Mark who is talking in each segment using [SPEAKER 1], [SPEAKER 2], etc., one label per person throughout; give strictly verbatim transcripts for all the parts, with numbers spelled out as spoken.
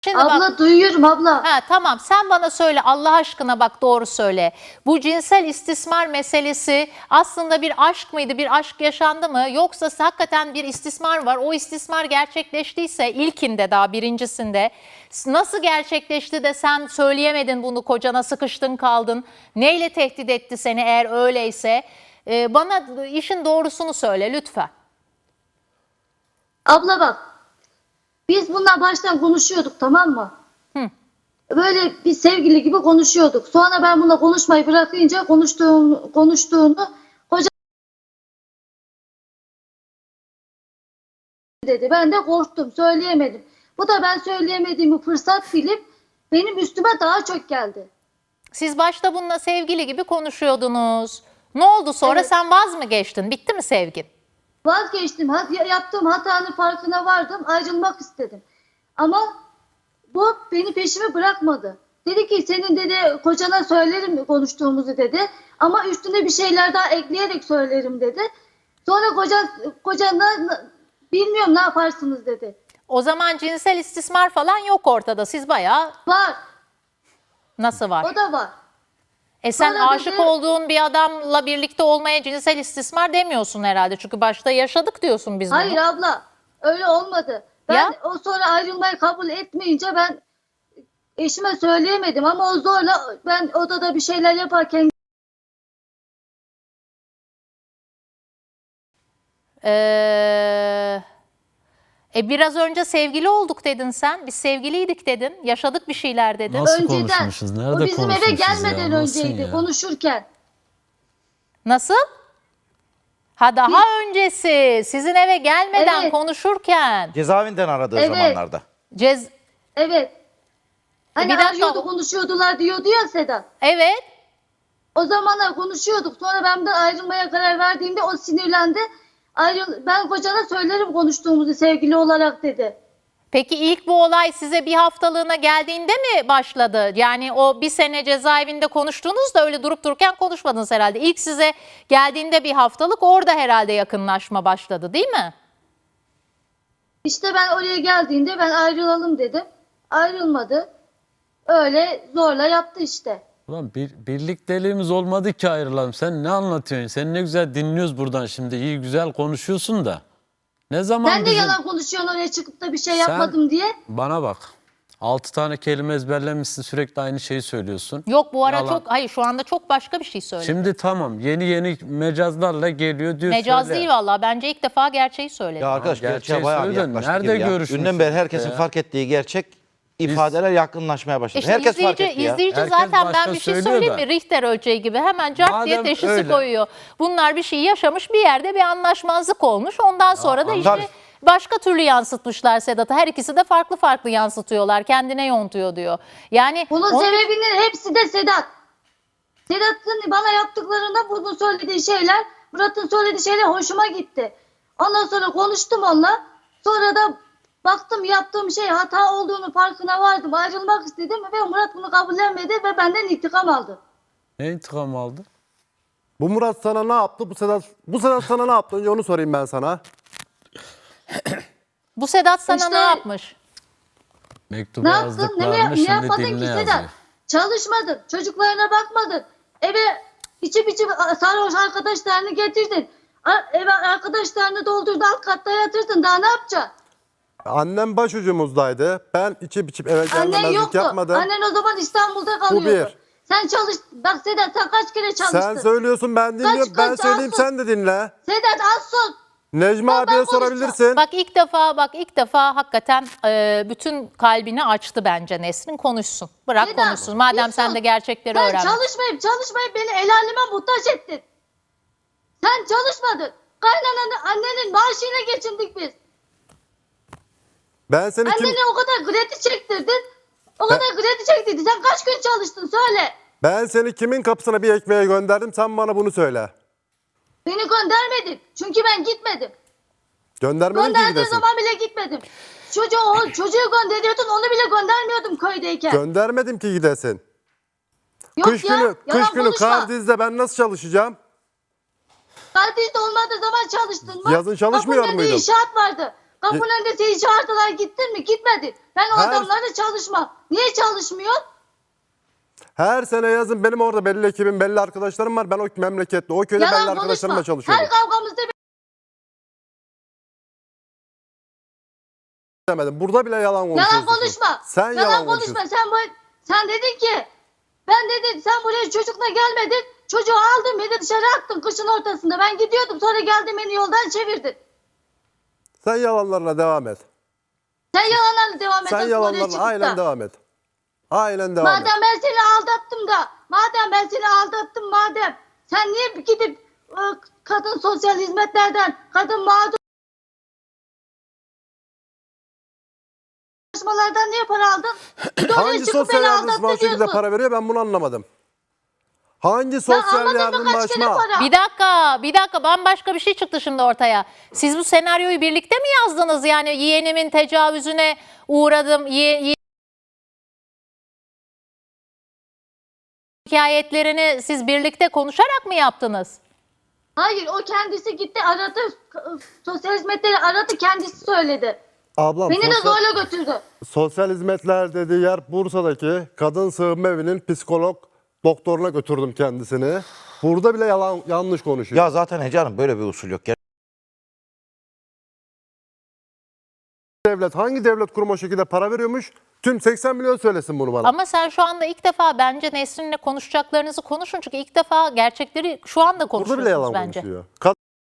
[SPEAKER 1] Şimdi
[SPEAKER 2] Abla
[SPEAKER 1] bak,
[SPEAKER 2] duyuyorum abla.
[SPEAKER 1] ha, tamam sen bana söyle Allah aşkına, bak doğru söyle. Bu cinsel istismar meselesi aslında bir aşk mıydı? Bir aşk yaşandı mı? Yoksa hakikaten bir istismar var. O istismar gerçekleştiyse ilkinde, daha birincisinde nasıl gerçekleşti de sen söyleyemedin bunu kocana, sıkıştın kaldın? Neyle tehdit etti seni eğer öyleyse? Ee, bana işin doğrusunu söyle lütfen.
[SPEAKER 2] Abla bak. Biz bundan baştan konuşuyorduk, tamam mı?
[SPEAKER 1] Hı.
[SPEAKER 2] Böyle bir sevgili gibi konuşuyorduk. Sonra ben bununla konuşmayı bırakınca konuştuğunu, konuştuğunu koca dedi. Ben de korktum, söyleyemedim. Bu da ben söyleyemediğimi fırsat bilip benim üstüme daha çok geldi.
[SPEAKER 1] Siz başta bununla sevgili gibi konuşuyordunuz. Ne oldu sonra?
[SPEAKER 2] Evet.
[SPEAKER 1] Sen vaz mı geçtin? Bitti mi sevgin?
[SPEAKER 2] Vazgeçtim. Hat- Yaptığım hatanın farkına vardım. Ayrılmak istedim. Ama bu beni peşime bırakmadı. Dedi ki senin dedi kocana söylerim konuştuğumuzu dedi. Ama üstüne bir şeyler daha ekleyerek söylerim dedi. Sonra kocan, kocana bilmiyorum ne yaparsınız dedi.
[SPEAKER 1] O zaman cinsel istismar falan yok ortada. Siz bayağı
[SPEAKER 2] Var.
[SPEAKER 1] nasıl var?
[SPEAKER 2] O da var.
[SPEAKER 1] E sen
[SPEAKER 2] Sonra
[SPEAKER 1] aşık
[SPEAKER 2] dedi-
[SPEAKER 1] olduğun bir adamla birlikte olmaya cinsel istismar demiyorsun herhalde. Çünkü başta yaşadık diyorsun biz bunu.
[SPEAKER 2] Hayır abla. Öyle olmadı. Ben
[SPEAKER 1] Ya?
[SPEAKER 2] o sonra ayrılmayı kabul etmeyince ben eşime söyleyemedim. Ama o zorla ben odada bir şeyler yaparken
[SPEAKER 1] Ee, e biraz önce sevgili olduk dedin sen. Biz sevgiliydik dedin. Yaşadık bir şeyler dedin.
[SPEAKER 3] Nasıl
[SPEAKER 2] önceden
[SPEAKER 3] konuşmuşuz? Nerede
[SPEAKER 2] o bizim eve
[SPEAKER 3] konuşmuşuz
[SPEAKER 2] gelmeden
[SPEAKER 3] ya? Nasıl
[SPEAKER 2] önceydi
[SPEAKER 3] ya?
[SPEAKER 2] konuşurken.
[SPEAKER 1] Nasıl? Ha daha öncesi. Sizin eve gelmeden
[SPEAKER 2] Evet.
[SPEAKER 1] konuşurken.
[SPEAKER 4] Cezaevinden aradığı
[SPEAKER 2] Evet.
[SPEAKER 4] zamanlarda.
[SPEAKER 1] Cez
[SPEAKER 2] Evet. Hani
[SPEAKER 1] Bir dakika.
[SPEAKER 2] arıyordu, konuşuyordular diyordu ya Sedat.
[SPEAKER 1] evet.
[SPEAKER 2] O zamanlar konuşuyorduk. Sonra ben de ayrılmaya karar verdiğimde o sinirlendi. Ayrıl ben kocana söylerim konuştuğumuzu sevgili olarak dedi.
[SPEAKER 1] Peki ilk bu olay size bir haftalığına geldiğinde mi başladı? Yani o bir sene cezaevinde konuştuğunuzda öyle durup dururken konuşmadınız herhalde. İlk size geldiğinde bir haftalık orada herhalde yakınlaşma başladı değil mi?
[SPEAKER 2] İşte ben oraya geldiğinde ben ayrılalım dedim. Ayrılmadı. Öyle zorla yaptı işte.
[SPEAKER 3] Ulan bir, birlikteliğimiz olmadı ki ayrılalım. Sen ne anlatıyorsun? Sen ne güzel dinliyoruz buradan şimdi. İyi güzel konuşuyorsun da. Ne zaman
[SPEAKER 2] Sen de
[SPEAKER 3] bizim...
[SPEAKER 2] yalan konuşuyorsun oraya çıkıp da bir şey
[SPEAKER 3] Sen
[SPEAKER 2] yapmadım diye.
[SPEAKER 3] Bana bak. Altı tane kelime ezberlemişsin, sürekli aynı şeyi söylüyorsun.
[SPEAKER 1] Yok bu ara
[SPEAKER 3] Yalan.
[SPEAKER 1] çok, hayır şu anda çok başka bir şey söyledi.
[SPEAKER 3] Şimdi tamam, yeni yeni mecazlarla geliyor diyor.
[SPEAKER 1] Mecaz
[SPEAKER 3] söyle.
[SPEAKER 1] değil vallahi, bence ilk defa gerçeği söyledi.
[SPEAKER 4] Ya arkadaş
[SPEAKER 3] Gerçeği
[SPEAKER 4] gerçeğe bayağı bir
[SPEAKER 3] söyledin.
[SPEAKER 4] yaklaştık
[SPEAKER 3] Nerede
[SPEAKER 4] gibi ya.
[SPEAKER 3] görüşmüşsünüz
[SPEAKER 4] Dünden beri herkesin
[SPEAKER 3] ya?
[SPEAKER 4] fark ettiği gerçek ifadeler yakınlaşmaya başladı.
[SPEAKER 1] İşte
[SPEAKER 4] Herkes
[SPEAKER 1] izleyici,
[SPEAKER 4] fark etti ya.
[SPEAKER 1] izleyici
[SPEAKER 3] Herkes
[SPEAKER 1] zaten
[SPEAKER 3] başta
[SPEAKER 1] ben bir şey
[SPEAKER 3] söylüyor
[SPEAKER 1] söyleyeyim
[SPEAKER 3] da.
[SPEAKER 1] mi? Richter ölçeği gibi hemen cart diye
[SPEAKER 3] Madem
[SPEAKER 1] teşhisi
[SPEAKER 3] öyle.
[SPEAKER 1] koyuyor. Bunlar bir şey yaşamış, bir yerde bir anlaşmazlık olmuş. Ondan sonra da işte
[SPEAKER 4] tabii.
[SPEAKER 1] başka türlü yansıtmışlar Sedat'a. Her ikisi de farklı farklı yansıtıyorlar. Kendine yontuyor diyor. Yani
[SPEAKER 2] Bunun
[SPEAKER 1] onun-
[SPEAKER 2] sebebinin hepsi de Sedat. Sedat'ın bana yaptıklarında bunun söylediği şeyler, Murat'ın söylediği şeyler hoşuma gitti. Ondan sonra konuştum onunla. Sonra da baktım yaptığım şey hata olduğunu farkına vardım. Ayrılmak istedim ve Murat bunu kabullenmedi ve benden intikam aldı.
[SPEAKER 3] Ne intikam aldı?
[SPEAKER 5] Bu Murat sana ne yaptı? Bu Sedat, bu Sedat sana ne yaptı? Önce onu sorayım ben sana.
[SPEAKER 1] bu Sedat sana
[SPEAKER 2] İşte-
[SPEAKER 1] ne yapmış?
[SPEAKER 3] Mektubu
[SPEAKER 2] Ne yaptın? Ne,
[SPEAKER 3] yazdıklarını
[SPEAKER 2] mi, ne
[SPEAKER 3] şimdi
[SPEAKER 2] yapmadın ki
[SPEAKER 3] diline
[SPEAKER 2] Sedat?
[SPEAKER 3] yazıyor.
[SPEAKER 2] Çalışmadın. Çocuklarına bakmadın. Eve içip içip sarhoş arkadaşlarını getirdin. A- Eve arkadaşlarını doldurdu, alt katta yatırdın. Daha ne yapacaksın?
[SPEAKER 5] Annem başucumuzdaydı. Ben içip içip eve
[SPEAKER 2] Annen
[SPEAKER 5] gelmemezlik
[SPEAKER 2] yoktu.
[SPEAKER 5] yapmadım.
[SPEAKER 2] Annen o zaman İstanbul'da kalıyordu.
[SPEAKER 5] bir.
[SPEAKER 2] Sen çalış. Bak Sedat sen kaç kere çalıştın?
[SPEAKER 5] Sen söylüyorsun ben dinliyorum. Ben
[SPEAKER 2] kaç
[SPEAKER 5] söyleyeyim
[SPEAKER 2] alsın?
[SPEAKER 5] sen de dinle.
[SPEAKER 2] Sedat az sus.
[SPEAKER 5] Necmi
[SPEAKER 2] Ben-
[SPEAKER 5] abiye
[SPEAKER 2] ben
[SPEAKER 5] sorabilirsin.
[SPEAKER 1] Bak ilk defa bak ilk defa hakikaten e, bütün kalbini açtı bence Nesrin, konuşsun. Bırak
[SPEAKER 2] Sedat,
[SPEAKER 1] konuşsun. Madem
[SPEAKER 2] bir
[SPEAKER 1] sen
[SPEAKER 2] sus.
[SPEAKER 1] de gerçekleri
[SPEAKER 2] Sen
[SPEAKER 1] öğrenmek.
[SPEAKER 2] çalışmayıp çalışmayıp beni el aleme muhtaç ettin. Sen çalışmadın. Kaynananın annenin maaşıyla geçindik biz.
[SPEAKER 5] Ben seni kim
[SPEAKER 2] Annene o kadar kredi çektirdin. O kadar kredi çektirdin. Sen kaç gün çalıştın söyle.
[SPEAKER 5] ben seni kimin kapısına bir ekmeğe gönderdim? Sen bana bunu söyle.
[SPEAKER 2] Beni göndermedin. Çünkü ben gitmedim.
[SPEAKER 5] Göndermedin ki
[SPEAKER 2] Gönderdiği
[SPEAKER 5] gidesin.
[SPEAKER 2] zaman bile gitmedim. Çocuğu, o, çocuğu gönderiyordun, onu bile göndermiyordum köydeyken.
[SPEAKER 5] Göndermedim ki gidesin.
[SPEAKER 2] Yok
[SPEAKER 5] Kış
[SPEAKER 2] ya,
[SPEAKER 5] günü,
[SPEAKER 2] yalan
[SPEAKER 5] kış günü
[SPEAKER 2] konuşma.
[SPEAKER 5] Kardiz'de ben nasıl çalışacağım?
[SPEAKER 2] Kardiz'de olmadığı zaman çalıştın mı?
[SPEAKER 5] Yazın çalışmıyor
[SPEAKER 2] Kapının önünde
[SPEAKER 5] muydum?
[SPEAKER 2] inşaat vardı. Kapının önünde seni çağırdılar, gittin mi? Gitmedi. Ben o
[SPEAKER 5] Her-
[SPEAKER 2] adamlarla çalışmam. Niye çalışmıyor?
[SPEAKER 5] Her sene yazın benim orada belli ekibim, belli arkadaşlarım var. Ben o memlekette, o köyde belli
[SPEAKER 2] Yalan
[SPEAKER 5] arkadaşlarımla
[SPEAKER 2] konuşma.
[SPEAKER 5] çalışıyorum.
[SPEAKER 2] Her kavgamızda
[SPEAKER 5] Demedim. Burada bile yalan konuşuyorsun.
[SPEAKER 2] yalan konuşma.
[SPEAKER 5] Sen
[SPEAKER 2] yalan,
[SPEAKER 5] yalan
[SPEAKER 2] konuşma.
[SPEAKER 5] konuşuyorsun.
[SPEAKER 2] Sen bu, sen dedin ki ben dedin sen buraya çocukla gelmedin. Çocuğu aldın beni dışarı attın kışın ortasında. Ben gidiyordum, sonra geldin beni yoldan çevirdin.
[SPEAKER 5] Sen yalanlarla devam et.
[SPEAKER 2] Sen yalanlarla devam et.
[SPEAKER 5] Sen
[SPEAKER 2] oraya
[SPEAKER 5] yalanlarla
[SPEAKER 2] çıkıp
[SPEAKER 5] aynen
[SPEAKER 2] da.
[SPEAKER 5] devam et. Aynen devam et.
[SPEAKER 2] Madem ben seni aldattım da, madem ben seni aldattım madem, sen niye gidip e, kadın sosyal hizmetlerden, kadın mağdur çalışmalardan niye para aldın? Bir de oraya
[SPEAKER 5] Hangi
[SPEAKER 2] çıkıp
[SPEAKER 5] sosyal
[SPEAKER 2] beni
[SPEAKER 5] yardımcı
[SPEAKER 2] aldattı
[SPEAKER 5] bu şekilde
[SPEAKER 2] diyorsun.
[SPEAKER 5] para veriyor ben bunu anlamadım. Hangi
[SPEAKER 2] Ben
[SPEAKER 5] sosyal
[SPEAKER 2] anladın mı
[SPEAKER 5] yardım
[SPEAKER 2] kaç kere
[SPEAKER 5] başma?
[SPEAKER 2] para?
[SPEAKER 1] Bir dakika, bir dakika bambaşka bir şey çıktı şimdi ortaya. Siz bu senaryoyu birlikte mi yazdınız? Yani yeğenimin tecavüzüne uğradım, ye, ye- hikayetlerini siz birlikte konuşarak mı yaptınız?
[SPEAKER 2] Hayır, o kendisi gitti aradı, sosyal hizmetleri aradı, kendisi söyledi.
[SPEAKER 5] Ablam
[SPEAKER 2] Beni de
[SPEAKER 5] sosyal,
[SPEAKER 2] zorla götürdü.
[SPEAKER 5] sosyal hizmetler dediği yer Bursa'daki kadın sığınma evinin psikolog doktoruna götürdüm kendisini. Burada bile yalan yanlış konuşuyor.
[SPEAKER 4] Ya zaten Ece Hanım böyle bir usul yok.
[SPEAKER 5] Devlet hangi devlet kurumu o şekilde para veriyormuş? Tüm seksen milyon söylesin bunu bana.
[SPEAKER 1] Ama sen şu anda ilk defa bence Nesrin'le konuşacaklarınızı konuşun. Çünkü ilk defa gerçekleri şu anda
[SPEAKER 5] Burada bile
[SPEAKER 1] konuşuyorsunuz
[SPEAKER 5] yalan
[SPEAKER 1] bence.
[SPEAKER 5] konuşuyor. Kad-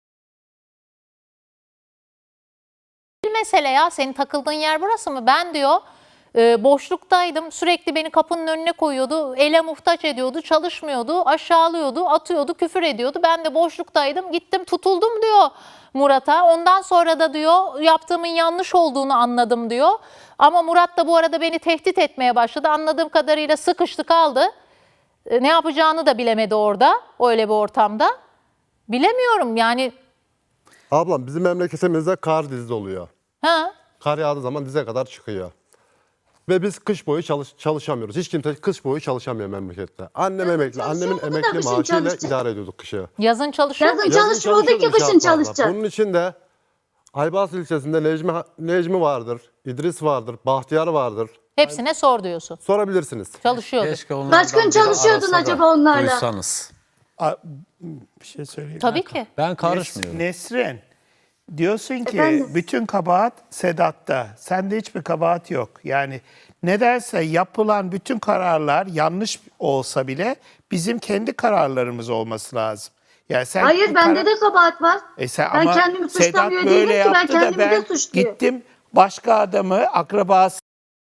[SPEAKER 1] Bir mesele ya, senin takıldığın yer burası mı? Ben diyor e, boşluktaydım, sürekli beni kapının önüne koyuyordu, ele muhtaç ediyordu, çalışmıyordu, aşağılıyordu, atıyordu, küfür ediyordu. Ben de boşluktaydım, gittim tutuldum diyor Murat'a. Ondan sonra da diyor yaptığımın yanlış olduğunu anladım diyor. Ama Murat da bu arada beni tehdit etmeye başladı. Anladığım kadarıyla sıkıştı kaldı. E, ne yapacağını da bilemedi orada, öyle bir ortamda. Bilemiyorum yani.
[SPEAKER 5] Ablam bizim memleketimizde kar dizi oluyor.
[SPEAKER 1] Ha?
[SPEAKER 5] Kar yağdığı zaman dize kadar çıkıyor. Ve biz kış boyu çalış çalışamıyoruz. Hiç kimse kış boyu çalışamıyor memlekette. Annem
[SPEAKER 2] Yazın
[SPEAKER 5] emekli, annemin
[SPEAKER 2] çalışıyor mu da
[SPEAKER 5] emekli
[SPEAKER 2] kışın
[SPEAKER 5] maaşıyla
[SPEAKER 2] çalışacak?
[SPEAKER 5] idare ediyorduk kışı.
[SPEAKER 1] Yazın çalışıyor
[SPEAKER 2] Yazın
[SPEAKER 1] muydu?
[SPEAKER 2] çalış- Çalışmıyordu ki
[SPEAKER 5] çalışıyorduk
[SPEAKER 2] kışın
[SPEAKER 5] şartlarda.
[SPEAKER 2] çalışacak.
[SPEAKER 5] Bunun için de Aybars ilçesinde Necmi, Necmi vardır, İdris vardır, Bahtiyar vardır.
[SPEAKER 1] Hepsine sor diyorsun.
[SPEAKER 5] Sorabilirsiniz.
[SPEAKER 1] Çalışıyordu.
[SPEAKER 3] Keşke onlardan
[SPEAKER 2] Kaç gün
[SPEAKER 3] biri
[SPEAKER 2] çalışıyordun
[SPEAKER 3] arasa da
[SPEAKER 2] acaba onlarla?
[SPEAKER 3] Duysanız.
[SPEAKER 6] A- Bir şey söyleyeyim.
[SPEAKER 1] Tabii ki.
[SPEAKER 3] Ben karışmıyorum.
[SPEAKER 6] Nesrin, diyorsun ki
[SPEAKER 2] Efendim?
[SPEAKER 6] bütün kabahat Sedat'ta. Sende hiçbir kabahat yok. Yani nedense yapılan bütün kararlar yanlış olsa bile bizim kendi kararlarımız olması lazım. Yani sen
[SPEAKER 2] Hayır,
[SPEAKER 6] bu
[SPEAKER 2] bende
[SPEAKER 6] karar-
[SPEAKER 2] de kabahat var.
[SPEAKER 6] E sen
[SPEAKER 2] ben
[SPEAKER 6] ama
[SPEAKER 2] kendimi suçlamıyor
[SPEAKER 6] Sedat
[SPEAKER 2] değilim
[SPEAKER 6] böyle
[SPEAKER 2] ki, ben
[SPEAKER 6] yaptı da
[SPEAKER 2] kendimi
[SPEAKER 6] ben
[SPEAKER 2] de suçluyorum.
[SPEAKER 6] gittim başka adamı akrabası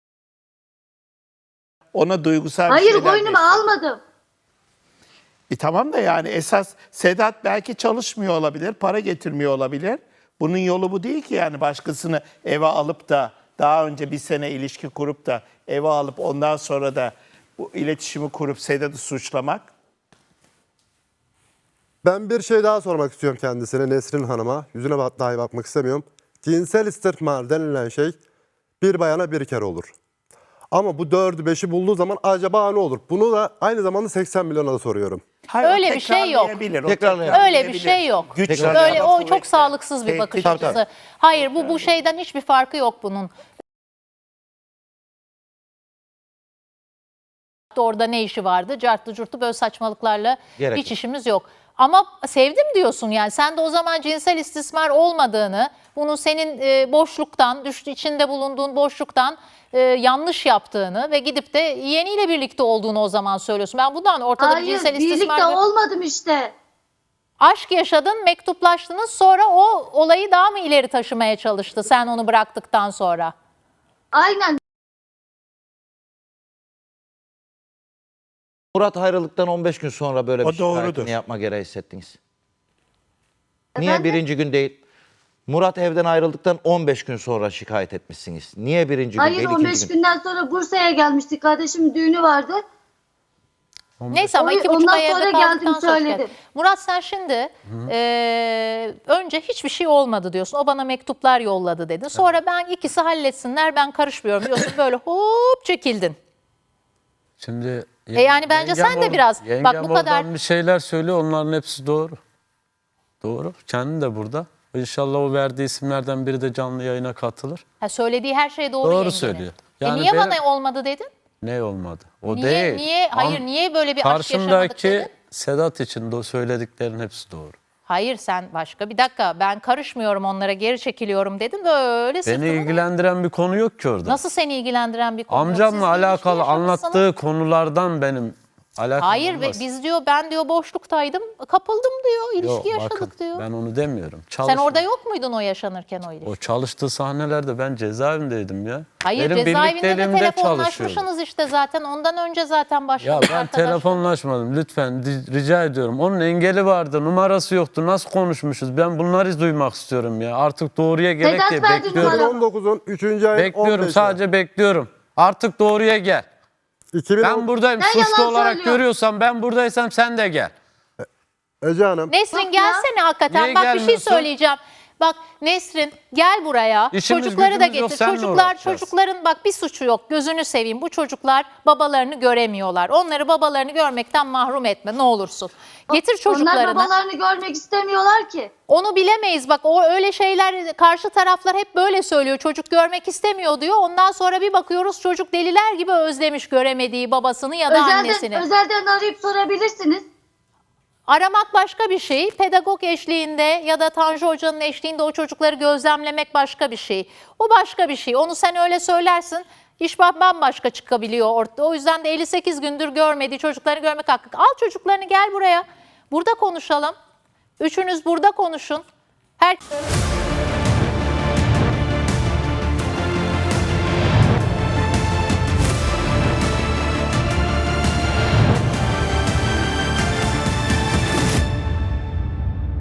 [SPEAKER 6] ona duygusal bir
[SPEAKER 2] Hayır,
[SPEAKER 6] şeyler
[SPEAKER 2] boynuma
[SPEAKER 6] besledim.
[SPEAKER 2] almadım.
[SPEAKER 6] E tamam da yani esas Sedat belki çalışmıyor olabilir, para getirmiyor olabilir. Bunun yolu bu değil ki yani başkasını eve alıp da daha önce bir sene ilişki kurup da eve alıp ondan sonra da bu iletişimi kurup Sedat'ı suçlamak.
[SPEAKER 5] Ben bir şey daha sormak istiyorum kendisine, Nesrin Hanım'a. Yüzüne bak- dahi bakmak istemiyorum. Cinsel istismar denilen şey bir bayana bir kere olur. Ama bu dördü beşi bulduğu zaman acaba ne olur? Bunu da aynı zamanda seksen milyona da soruyorum.
[SPEAKER 6] Hayır, o
[SPEAKER 1] Öyle bir şey yok.
[SPEAKER 6] tekrarlayabilir, o
[SPEAKER 4] Tekrarlayabilir.
[SPEAKER 1] Öyle bir
[SPEAKER 6] tekrarlayabilir.
[SPEAKER 1] şey yok.
[SPEAKER 6] Güç
[SPEAKER 4] Tekrar-
[SPEAKER 1] Böyle
[SPEAKER 6] silahı
[SPEAKER 1] o
[SPEAKER 6] kuvveti.
[SPEAKER 1] çok sağlıksız bir bakış
[SPEAKER 6] Tehdit-
[SPEAKER 1] açısı. Hayır, bu bu şeyden hiçbir farkı yok bunun. Orada ne işi vardı? Cartlı curtlu böyle saçmalıklarla
[SPEAKER 4] Gerek
[SPEAKER 1] hiç
[SPEAKER 4] yok.
[SPEAKER 1] işimiz yok. Ama sevdim diyorsun yani. Sen de o zaman cinsel istismar olmadığını, bunun senin e, boşluktan, düştü içinde bulunduğun boşluktan e, yanlış yaptığını ve gidip de yeğeniyle birlikte olduğunu o zaman söylüyorsun. Ben bundan ortada bir
[SPEAKER 2] Hayır,
[SPEAKER 1] cinsel istismar...
[SPEAKER 2] birlikte olmadım işte.
[SPEAKER 1] Aşk yaşadın, mektuplaştınız, sonra o olayı daha mı ileri taşımaya çalıştı sen onu bıraktıktan sonra?
[SPEAKER 2] Aynen.
[SPEAKER 4] Murat ayrılıktan on beş gün sonra böyle
[SPEAKER 6] O
[SPEAKER 4] bir
[SPEAKER 6] doğrudur.
[SPEAKER 4] şikayetini yapma gereği hissettiniz. Niye
[SPEAKER 2] Efendim?
[SPEAKER 4] birinci gün değil? Murat evden ayrıldıktan on beş gün sonra şikayet etmişsiniz. Niye birinci gün
[SPEAKER 2] Hayır,
[SPEAKER 4] değil
[SPEAKER 2] on
[SPEAKER 4] ikinci
[SPEAKER 2] beş
[SPEAKER 4] gün?
[SPEAKER 2] günden sonra Bursa'ya gelmiştik. Kardeşimin düğünü vardı.
[SPEAKER 1] Neyse ama
[SPEAKER 2] O-
[SPEAKER 1] iki buçuk
[SPEAKER 2] ondan
[SPEAKER 1] ay evde
[SPEAKER 2] sonra
[SPEAKER 1] kaldıktan
[SPEAKER 2] geldim,
[SPEAKER 1] sonra
[SPEAKER 2] söyledim.
[SPEAKER 1] şikayet. Murat sen şimdi e, önce hiçbir şey olmadı diyorsun. O bana mektuplar yolladı dedin. Sonra ben ikisi halletsinler ben karışmıyorum diyorsun. Böyle hop çekildin.
[SPEAKER 3] Şimdi
[SPEAKER 1] E yani bence
[SPEAKER 3] yengem
[SPEAKER 1] sen de
[SPEAKER 3] or-
[SPEAKER 1] biraz-
[SPEAKER 3] yengem
[SPEAKER 1] bak bu kadar-
[SPEAKER 3] oradan bir şeyler söylüyor, onların hepsi doğru. Doğru. Kendi de burada. İnşallah o verdiği isimlerden biri de canlı yayına katılır.
[SPEAKER 1] Ha, söylediği her şey doğru,
[SPEAKER 3] Doğru
[SPEAKER 1] yengenin.
[SPEAKER 3] söylüyor.
[SPEAKER 1] E
[SPEAKER 3] Yani
[SPEAKER 1] niye
[SPEAKER 3] benim-
[SPEAKER 1] bana olmadı dedin?
[SPEAKER 3] Ne olmadı? O
[SPEAKER 1] Niye,
[SPEAKER 3] değil.
[SPEAKER 1] niye, hayır
[SPEAKER 3] Am-
[SPEAKER 1] niye böyle bir aşk yaşamadık
[SPEAKER 3] Karşımdaki
[SPEAKER 1] dedin?
[SPEAKER 3] Sedat için de o söylediklerin hepsi doğru.
[SPEAKER 1] Hayır sen başka. Bir dakika ben karışmıyorum onlara, geri çekiliyorum dedin. Böyle
[SPEAKER 3] Beni
[SPEAKER 1] sırtını...
[SPEAKER 3] ilgilendiren bir konu yok ki orada.
[SPEAKER 1] Nasıl seni ilgilendiren bir konu? yok? Siz
[SPEAKER 3] Amcamla
[SPEAKER 1] bir ilişki
[SPEAKER 3] alakalı
[SPEAKER 1] yaşamışsınız.
[SPEAKER 3] anlattığı konulardan benim alakam
[SPEAKER 1] Hayır ve
[SPEAKER 3] olmaz.
[SPEAKER 1] biz diyor ben diyor boşluktaydım, kapıldım diyor, ilişki
[SPEAKER 3] Yok,
[SPEAKER 1] yaşadık
[SPEAKER 3] bakın,
[SPEAKER 1] diyor.
[SPEAKER 3] ben onu demiyorum.
[SPEAKER 1] Sen
[SPEAKER 3] Çalışma-
[SPEAKER 1] orada yok muydun o yaşanırken o ilişki?
[SPEAKER 3] O çalıştığı sahnelerde ben cezaevindeydim ya.
[SPEAKER 1] Hayır
[SPEAKER 3] Benim
[SPEAKER 1] cezaevinde de
[SPEAKER 3] birlikteliğimde
[SPEAKER 1] telefonlaşmışsınız işte zaten. Ondan önce zaten
[SPEAKER 3] Ya
[SPEAKER 1] başladık
[SPEAKER 3] ben
[SPEAKER 1] arkadaşlar.
[SPEAKER 3] telefonlaşmadım lütfen di- rica ediyorum. Onun engeli vardı, numarası yoktu. Nasıl konuşmuşuz? Ben bunları duymak istiyorum ya. Artık doğruya gerek
[SPEAKER 2] Sedat
[SPEAKER 3] diye
[SPEAKER 2] verdi
[SPEAKER 3] bekliyorum.
[SPEAKER 2] numara.
[SPEAKER 5] iki bin on dokuzun üçüncü ayın
[SPEAKER 3] Bekliyorum,
[SPEAKER 5] on beşi.
[SPEAKER 3] sadece bekliyorum. Artık doğruya gel.
[SPEAKER 5] iki bin on
[SPEAKER 3] Ben buradayım.
[SPEAKER 2] Sen
[SPEAKER 3] Suçlu
[SPEAKER 2] yalan
[SPEAKER 3] olarak
[SPEAKER 2] söylüyorsun.
[SPEAKER 3] görüyorsam, ben buradaysam sen de gel.
[SPEAKER 5] Ece Hanım.
[SPEAKER 1] Nesrin
[SPEAKER 2] Bak ya.
[SPEAKER 1] gelsene hakikaten.
[SPEAKER 3] Niye
[SPEAKER 1] Bak bir şey
[SPEAKER 3] gelmiyorsun?
[SPEAKER 1] söyleyeceğim. Bak Nesrin gel buraya.
[SPEAKER 3] İşimiz
[SPEAKER 1] Çocukları da
[SPEAKER 3] gücümüz yok,
[SPEAKER 1] getir.
[SPEAKER 3] seninle
[SPEAKER 1] Çocuklar
[SPEAKER 3] uğraşacağız.
[SPEAKER 1] çocukların bak bir suçu yok. Gözünü seveyim. Bu çocuklar babalarını göremiyorlar. Onları babalarını görmekten mahrum etme ne olursun. Getir
[SPEAKER 2] Onlar
[SPEAKER 1] çocuklarını.
[SPEAKER 2] babalarını görmek istemiyorlar ki.
[SPEAKER 1] Onu bilemeyiz. Bak o öyle şeyler karşı taraflar hep böyle söylüyor. Çocuk görmek istemiyor diyor. Ondan sonra bir bakıyoruz çocuk deliler gibi özlemiş göremediği babasını ya da annesini.
[SPEAKER 2] Özelden, özelden arayıp sorabilirsiniz.
[SPEAKER 1] Aramak başka bir şey. Pedagog eşliğinde ya da Tanju Hoca'nın eşliğinde o çocukları gözlemlemek başka bir şey. O başka bir şey. Onu sen öyle söylersin. İş bambaşka çıkabiliyor ortada. O yüzden de elli sekiz gündür görmediği çocukları görmek hakkı. Al çocuklarını gel buraya. Burada konuşalım. Üçünüz burada konuşun. Her